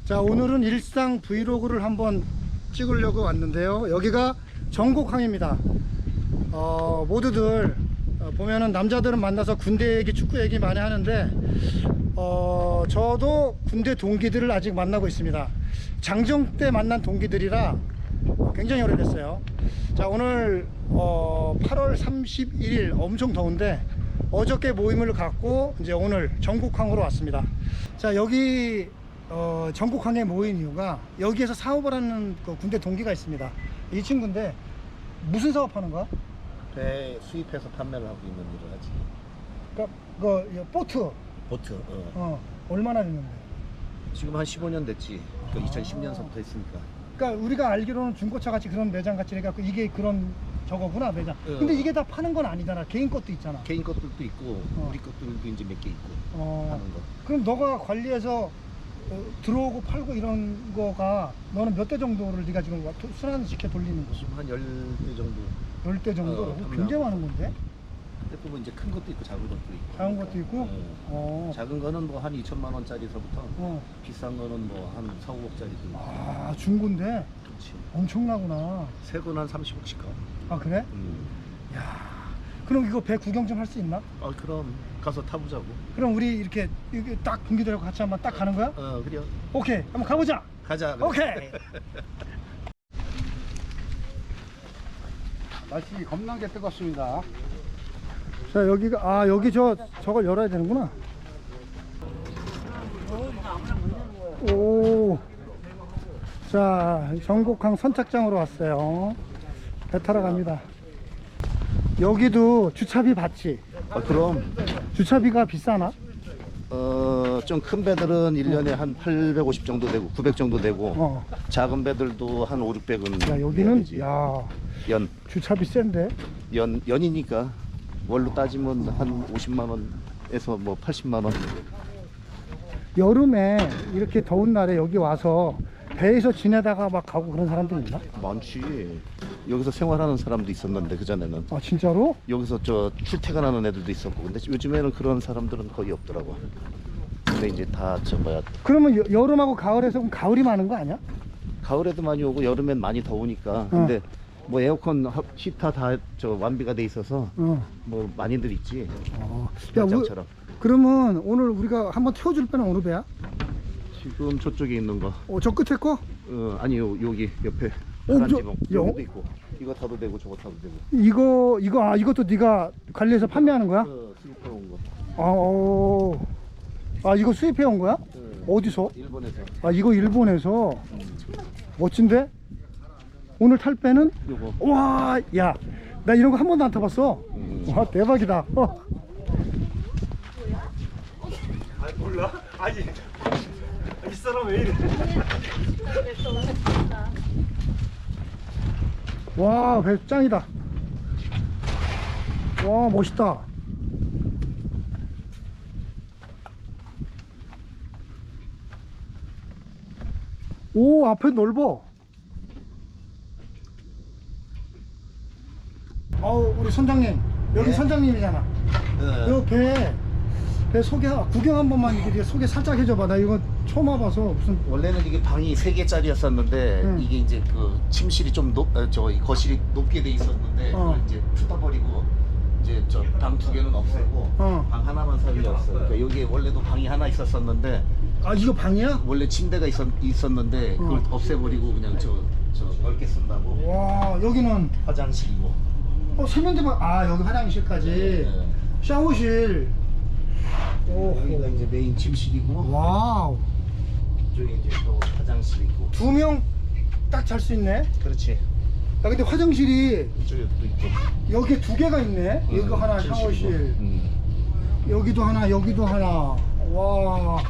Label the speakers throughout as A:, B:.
A: 자, 오늘은 일상 브이로그를 한번 찍으려고 왔는데요. 여기가 전곡항입니다. 모두들 보면은 남자들은 만나서 군대 얘기, 축구 얘기 많이 하는데 저도 군대 동기들을 아직 만나고 있습니다. 장정 때 만난 동기들이라 굉장히 오래됐어요. 자, 오늘 8월 31일 엄청 더운데 어저께 모임을 갖고 이제 오늘 전곡항으로 왔습니다. 자, 여기 전곡항에 모인 이유가 여기에서 사업을 하는 그 군대 동기가 있습니다. 이 친구인데 무슨 사업하는 거야?
B: 배 수입해서 판매를 하고 있는 일을 하지.
A: 그러니까 보트.
B: 보트.
A: 얼마나 됐는데?
B: 지금 한 15년 됐지. 그 2010년서부터 했으니까.
A: 그러니까 우리가 알기로는 중고차 같이 그런 매장 같이 해갖고 이게 그런 저거구나, 매장. 근데 이게 다 파는 건 아니잖아. 개인 것도 있잖아.
B: 개인 것들도 있고 우리 것들도 이제 몇 개 있고 하는 거.
A: 그럼 너가 관리해서 들어오고 팔고 이런 거가 너는 몇 대 정도를 네가 지금 순환시켜 돌리는 거지?
B: 지금 한 10대 정도.
A: 10대 정도? 굉장히 많은 건데?
B: 대부분 이제 큰 것도 있고 작은 것도 있고.
A: 작은 것도 있고?
B: 작은 거는 뭐 한 2천만 원짜리서부터 비싼 거는 뭐 한 4, 5억짜리도 있고.
A: 아, 중고인데?
B: 그렇지.
A: 엄청나구나.
B: 새 거는 한 30억씩 가.
A: 아, 그래? 야, 그럼 이거 배 구경 좀 할 수 있나?
B: 그럼 가서 타보자고.
A: 그럼 우리 이렇게 딱 동기들하고 같이 한번 딱 가는 거야?
B: 그래요.
A: 오케이, 한번 가보자.
B: 가자. 그래.
A: 오케이.
C: 날씨 겁나게 뜨겁습니다.
A: 자, 여기가 여기 저걸 열어야 되는구나. 오. 자, 전곡항 선착장으로 왔어요. 배 타러 갑니다. 여기도 주차비 받지?
B: 그럼
A: 주차비가 비싸나?
B: 좀 큰 배들은 1년에 한 850 정도 되고 900 정도 되고 작은 배들도 한 5, 600은.
A: 야, 여기는 연 주차비 센데?
B: 연이니까 월로 따지면 한 50만 원에서 뭐 80만 원.
A: 여름에 이렇게 더운 날에 여기 와서 배에서 지내다가 막 가고 그런 사람들 있나?
B: 많지. 여기서 생활하는 사람도 있었는데 그전에는.
A: 아, 진짜로?
B: 여기서 출퇴근하는 애들도 있었고. 근데 요즘에는 그런 사람들은 거의 없더라고. 근데 이제 다
A: 그러면 여름하고 가을에서 그럼 가을이 많은 거 아니야?
B: 가을에도 많이 오고 여름엔 많이 더우니까. 근데 뭐 에어컨 히터 다 완비가 돼 있어서 뭐 많이들 있지. 야장처럼.
A: 그러면 오늘 우리가 한번 태워줄 배는 어느 배야?
B: 지금 저쪽에 있는 거.
A: 저 끝에 거?
B: 아니요, 여기 옆에 파란 지붕. 여기도 있고. 이거 타도 되고 저거 타도 되고.
A: 이것도 네가 관리해서 판매하는 거야?
B: 수입해 온 거.
A: 이거 수입해 온 거야? 어디서?
B: 일본에서.
A: 이거 일본에서. 멋진데? 오늘 탈 배는?
B: 요거.
A: 와, 야, 나 이런 거 한 번도 안 타봤어. 와, 대박이다.
C: 몰라? 아니 이 사람 왜 이래?
A: 와, 배 짱이다. 와, 멋있다. 오, 앞에 넓어. 우리 선장님, 여기 선장님이잖아. 이거 배 구경 한 번만 이렇게 소개 살짝 해줘봐. 나 이거 처음 와봐서 무슨.
B: 원래는 이게 방이 3개짜리였었는데 이게 이제 그 침실이 좀 거실이 높게 돼 있었는데 그걸 이제 뜯어버리고 이제 방 2개는 없애고 방 하나만 살렸어. 그러니까 여기에 원래도 방이 하나 있었었는데.
A: 이거 방이야?
B: 원래 침대가 있었는데 그걸 없애버리고 그냥 넓게 쓴다고.
A: 와, 여기는
B: 화장실이고.
A: 세면대방. 여기 화장실까지. 샤워실.
B: 여기가 이제 메인 침실이고.
A: 와우.
B: 이쪽에 이제 또 화장실이고.
A: 2명 딱 잘 수 있네.
B: 그렇지.
A: 근데 화장실이
B: 이쪽에 또 있고.
A: 여기에 2개가 있네. 여기 하나 샤워실. 여기도 하나, 여기도 하나. 와.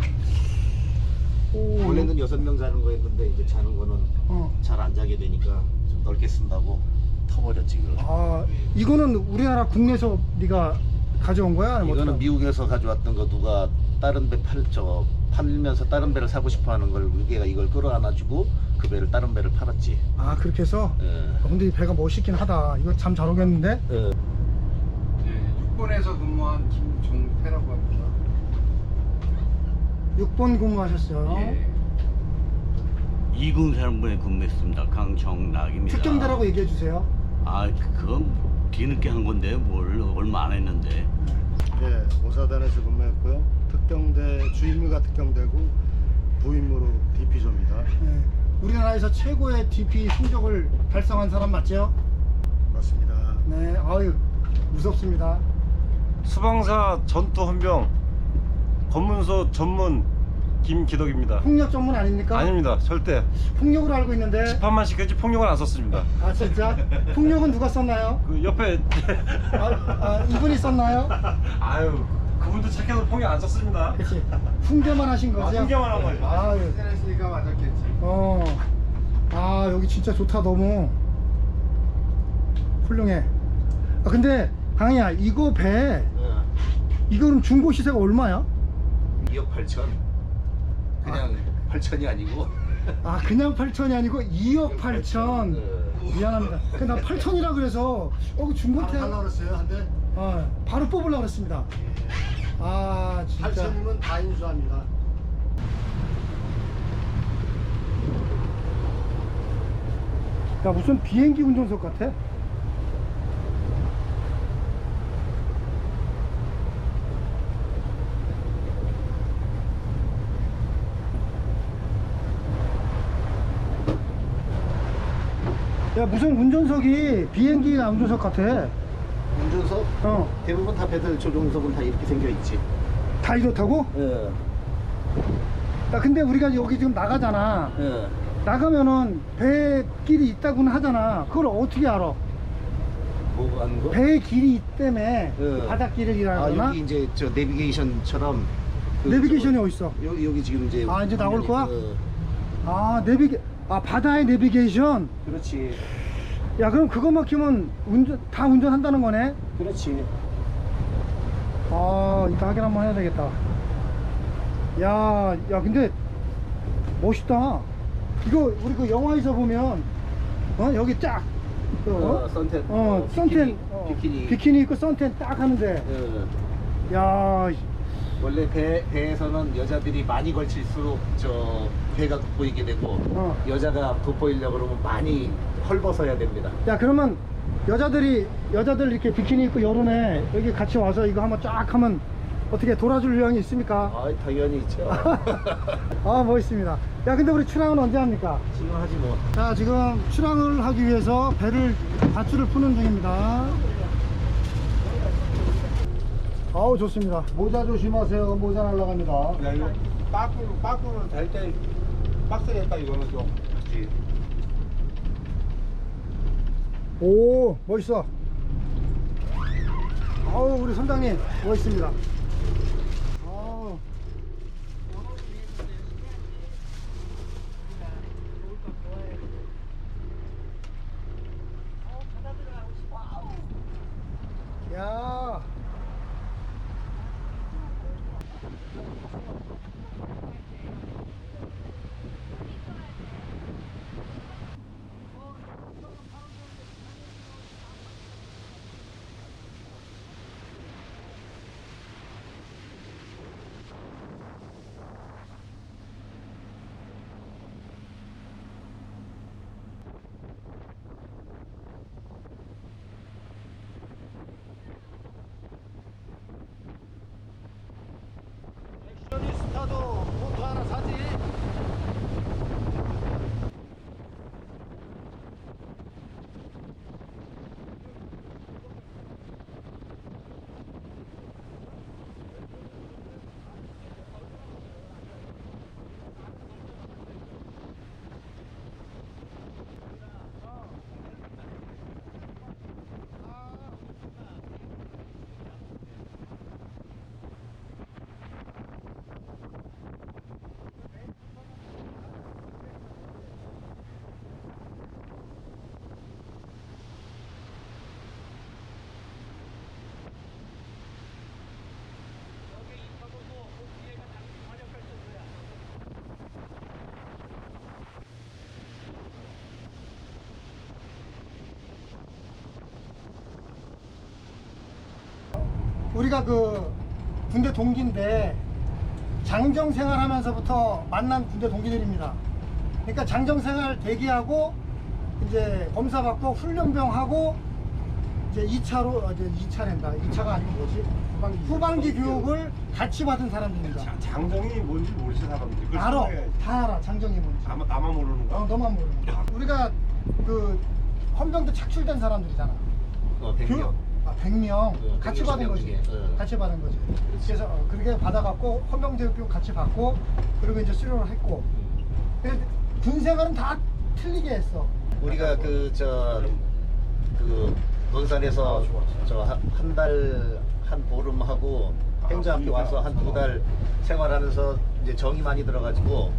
B: 원래는 6명 자는 거였는데 이제 자는 거는 잘 안 자게 되니까 좀 넓게 쓴다고 터버렸지 그걸.
A: 이거는 우리나라 국내에서 네가 가져온 거야?
B: 이거는 미국에서 가져왔던 거. 누가 다른 배 팔면서 다른 배를 사고 싶어 하는 걸 우리가 이걸 끌어안아주고 그 배를 다른 배를 팔았지.
A: 그렇게 해서? 근데 이 배가 멋있긴 하다. 이거 잠 잘 오겠는데?
C: 6번에서 근무한 김종태라고 합니다.
A: 6번 근무하셨어요?
C: 예.
D: 2군 사령부에 근무했습니다. 강정락입니다.
A: 특경대라고 얘기해 주세요.
D: 아, 그건 뒤늦게 한 건데 뭘 얼마 안 했는데.
E: 예, 오사단에서 근무했고요. 특경대 주임무가 특경대고 부임무로 DP조입니다.
A: 네. 우리나라에서 최고의 DP 성적을 달성한 사람 맞죠?
E: 맞습니다.
A: 네, 아유 무섭습니다.
C: 수방사 전투 헌병 검문소 전문 김기덕입니다.
A: 폭력 전문 아닙니까?
C: 아닙니다. 절대.
A: 폭력으로 알고 있는데.
C: 집합만 시켰지 폭력은 안 썼습니다.
A: 아 진짜? 폭력은 누가 썼나요?
C: 그 옆에
A: 이분이 썼나요?
C: 아유 그분도 착해서 폭력 안 썼습니다.
A: 그렇지. 훈계만 하신 거죠?
C: 훈계만 한 거예요.
A: 아유.
E: 했으니까 맞았겠지.
A: 아 여기 진짜 좋다. 너무 훌륭해. 아 근데 강희야 이거 배 이거 그럼 중고 시세가 얼마야?
B: 2억 8천. 그냥 8천이 아니고.
A: 아 그냥 8천이 아니고 2억 8천. 미안합니다. 나 8천이라 그래서 그 중고태
E: 하려고 그랬어요, 한 대?
A: 바로 뽑으려고 그랬습니다. 아 진짜
E: 8천이면 다 인수합니다.
A: 야 무슨 비행기 운전석 같아? 야 무슨 운전석이 비행기 운전석 같아.
B: 운전석? 대부분 다 배들 조종석은 다 이렇게 생겨 있지.
A: 다 이렇다고?
B: 예.
A: 야 근데 우리가 여기 지금 나가잖아.
B: 예.
A: 나가면은 배길이 있다고는 하잖아. 그걸 어떻게 알아?
B: 뭐 하는 거?
A: 배의 길이 있다며.
B: 예.
A: 바닷길이라거나.
B: 여기 이제 저 내비게이션처럼.
A: 내비게이션이 어딨어?
B: 여기 지금 이제.
A: 이제 나올 거야?
B: 어.
A: 바다의 내비게이션.
B: 그렇지.
A: 야 그럼 그거 막히면 다 운전한다는 거네.
B: 그렇지.
A: 이거 확인 한번 해야 되겠다. 야 근데 멋있다. 이거 우리 그 영화에서 보면 여기 쫙
B: 선텐.
A: 선텐 비키니 입고 선텐 딱 하는데.
B: 예.
A: 야
B: 원래 배에서는 여자들이 많이 걸칠수록 저 배가 돋보이게 되고 여자가 돋보이려고 그러면 많이 헐벗어야 됩니다.
A: 야 그러면 여자들 이렇게 비키니 입고 여름에 여기 같이 와서 이거 한번 쫙 하면 어떻게 돌아줄 의향이 있습니까?
B: 당연히 있죠.
A: 멋있습니다. 야 근데 우리 출항은 언제 합니까?
B: 지금 하지 뭐.
A: 자 지금 출항을 하기 위해서 배를 밧줄을 푸는 중입니다. 아우 좋습니다.
E: 모자 조심하세요. 모자 날라갑니다.
C: 야 이거 빠꾸는 될때 빡세겠다 이거는 좀.
B: 그렇지.
A: 오 멋있어. 아우 우리 선장님 멋있습니다. 아우. 야
E: 액션이스타도 모토 하나 사지.
A: 우리가 그 군대 동기인데 장정 생활하면서부터 만난 군대 동기들입니다. 그러니까 장정생활 대기하고 이제 검사 받고 훈련병 하고 이제 2차로 이제 2차랜다. 2차가 아니고 뭐지? 후반기 교육을 같이 받은 사람들입니다.
C: 장정이 뭔지 모르시는 사람들이 그걸
A: 알아.
C: 설명해야지.
A: 다 알아. 장정이 뭔지.
C: 나만 모르는 거야.
A: 너만 모르는 거야. 우리가 그 헌병대 착출된 사람들이잖아.
B: 100명.
A: 100명
B: 네,
A: 같이
B: 160명
A: 받은 거지.
B: 중에, 네.
A: 같이 받은 거지. 그래서 그렇게 받아갖고 헌병대학교 같이 받고 그리고 이제 수료를 했고. 근데 군 생활은 다 틀리게 했어.
B: 우리가 논산에서 한 달 한 보름 하고 행정학교 와서 한 2달 생활하면서 이제 정이 많이 들어가지고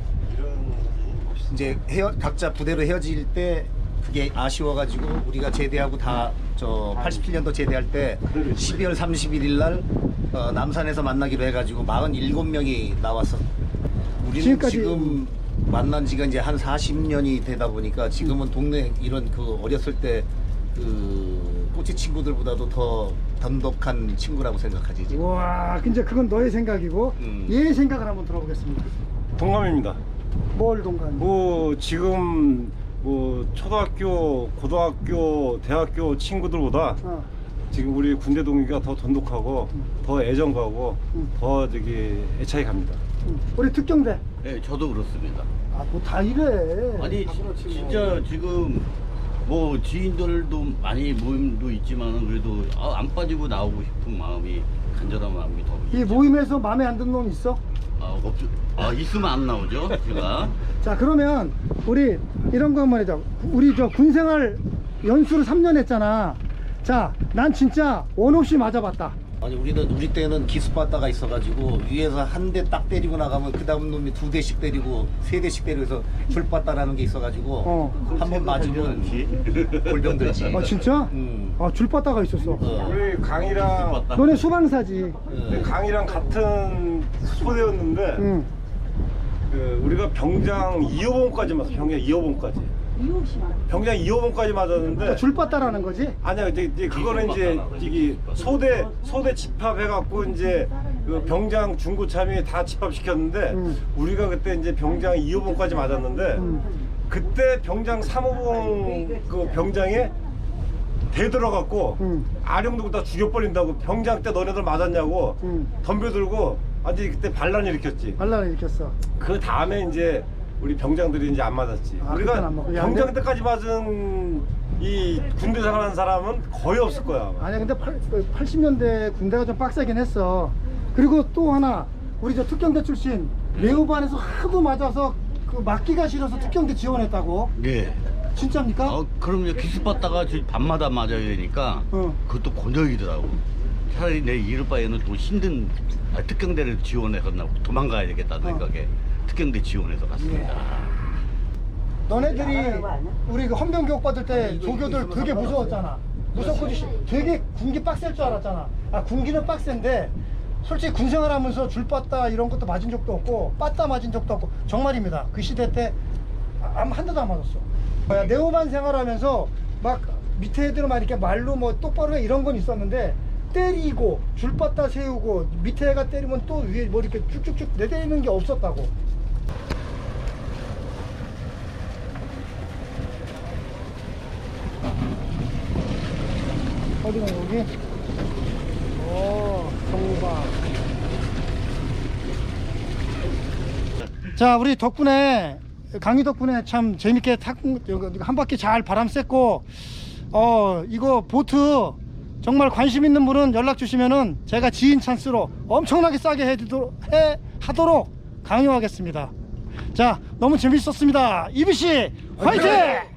B: 이제 각자 부대로 헤어질 때 그게 아쉬워가지고 우리가 제대하고 다 87년도 제대할 때 12월 31일 날 남산에서 만나기로 해가지고 47명이 나왔어. 우리는
A: 지금까지-
B: 지금 만난 지가 이제 한 40년이 되다 보니까 지금은 동네 이런 그 어렸을 때 그 꼬치 친구들보다도 더 돈독한 친구라고 생각하지 지금.
A: 와, 이제 그건 너의 생각이고 얘의 생각을 한번 들어보겠습니다.
C: 동감입니다.
A: 뭘 동감?
C: 지금 초등학교, 고등학교, 대학교 친구들보다 지금 우리 군대 동기가 더 돈독하고 더 애정 가고 더 애착이 갑니다.
A: 우리 특경대.
D: 네, 저도 그렇습니다.
A: 뭐 다 이래.
D: 아니 진짜 지금 뭐 지인들도 많이 모임도 있지만은 그래도 안 빠지고 나오고 싶은 마음이 간절한 마음이 더
A: 이
D: 있죠.
A: 모임에서 마음에 안 드는 놈 있어?
D: 있으면 안 나오죠 제가.
A: 자, 그러면 우리 이런 거 한번 해자. 우리 군생활 연수를 3년 했잖아. 자, 난 진짜 원 없이 맞아봤다.
B: 아니 우리 때는 기습받다가 있어가지고 위에서 한 대 딱 때리고 나가면 그 다음 놈이 2대씩 때리고 3대씩 때리고 줄받다라는 게 있어가지고 한 번 맞으면 골병 들지.
A: 진짜? 줄 받다가 있었어.
C: 우리 강이랑
A: 너네 수방사지.
C: 강이랑 같은 소대였는데
A: 응.
C: 우리가 병장 2호봉까지 맞았어. 병장 2호봉까지. 병장 2호봉까지 맞았는데
A: 줄 받다라는 거지?
C: 아니야 이제 그거는 이제 소대 집합해갖고 이제 그 병장 중고참이 다 집합시켰는데 우리가 그때 이제 병장 2호봉까지 맞았는데 그때 병장 3호봉 그 병장에 대들어갖고 아령도 다 죽여버린다고 병장 때 너네들 맞았냐고 덤벼들고 완전히 그때 반란 일으켰지.
A: 반란을 일으켰어.
C: 그 다음에 이제 우리 병장들이 이제 안 맞았지.
A: 그때는
C: 우리가
A: 안 맞고. 야,
C: 병장
A: 근데-
C: 때까지 맞은 이 군대 생활하는 사람은 거의 없을 거야. 아마.
A: 아니야, 근데 80년대 군대가 좀 빡세긴 했어. 그리고 또 하나, 우리 저 특경대 출신 레오반에서 하도 맞아서 그 맞기가 싫어서 특경대 지원했다고.
D: 네.
A: 진짜입니까?
D: 그럼요. 기습받다가 밤마다 맞아야 되니까 그것도 곤욕이더라고. 차라리 내 이럴 바에는 또 힘든 특경대를 지원해서 도망가야 되겠다는 생각에 특경대 지원해서 갔습니다.
A: 너네들이 우리 그 헌병 교육 받을 때 조교들 되게 무서웠잖아. 무섭고 되게 군기 빡셀 줄 알았잖아. 군기는 빡센데 솔직히 군 생활하면서 줄 빠따 이런 것도 맞은 적도 없고 빠따 맞은 적도 없고 정말입니다. 그 시대 때 한 대도 안 맞았어. 네오반 생활하면서 막 밑에 애들은 막 이렇게 말로 뭐 똑바로 해 이런 건 있었는데 때리고 줄 빠따 세우고 밑에 애가 때리면 또 위에 뭐 이렇게 쭉쭉쭉 내리는 게 없었다고. 어디가 여기? 정박. 자, 우리 덕분에 강의 덕분에 참 재밌게 한 바퀴 잘 바람 쐈고 이거 보트 정말 관심 있는 분은 연락 주시면은 제가 지인 찬스로 엄청나게 싸게 하도록 강요하겠습니다. 자, 너무 재밌었습니다. 이비씨 화이팅!